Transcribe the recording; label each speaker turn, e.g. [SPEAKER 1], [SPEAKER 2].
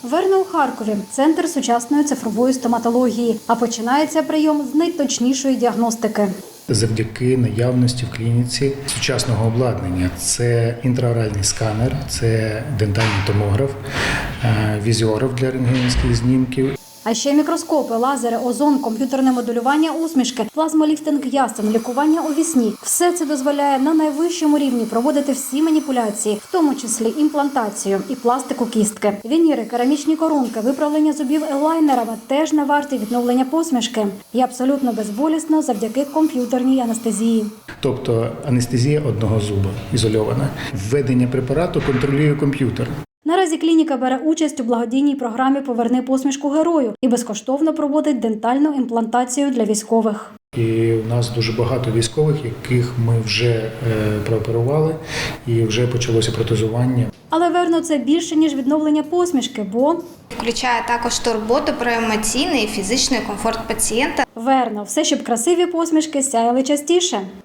[SPEAKER 1] Верно у Харкові – центр сучасної цифрової стоматології. А починається прийом з найточнішої діагностики.
[SPEAKER 2] Завдяки наявності в клініці сучасного обладнання. Це інтраоральний сканер, це дентальний томограф, візіограф для рентгенівських знімків.
[SPEAKER 1] А ще мікроскопи, лазери, озон, комп'ютерне моделювання усмішки, плазмоліфтинг ясен, лікування у вісні. Все це дозволяє на найвищому рівні проводити всі маніпуляції, в тому числі імплантацію і пластику кістки. Вініри, керамічні коронки, виправлення зубів елайнерами теж не варті відновлення посмішки. І абсолютно безболісно завдяки комп'ютерній анестезії.
[SPEAKER 2] Тобто анестезія одного зуба ізольована. Введення препарату контролює комп'ютер.
[SPEAKER 1] Наразі клініка бере участь у благодійній програмі «Поверни посмішку герою» і безкоштовно проводить дентальну імплантацію для військових.
[SPEAKER 2] І у нас дуже багато військових, яких ми вже прооперували і вже почалося протезування.
[SPEAKER 1] Але верно, це більше, ніж відновлення посмішки, бо
[SPEAKER 3] Включає також турботу про емоційний і фізичний комфорт пацієнта.
[SPEAKER 1] верно, все, щоб красиві посмішки сяяли частіше.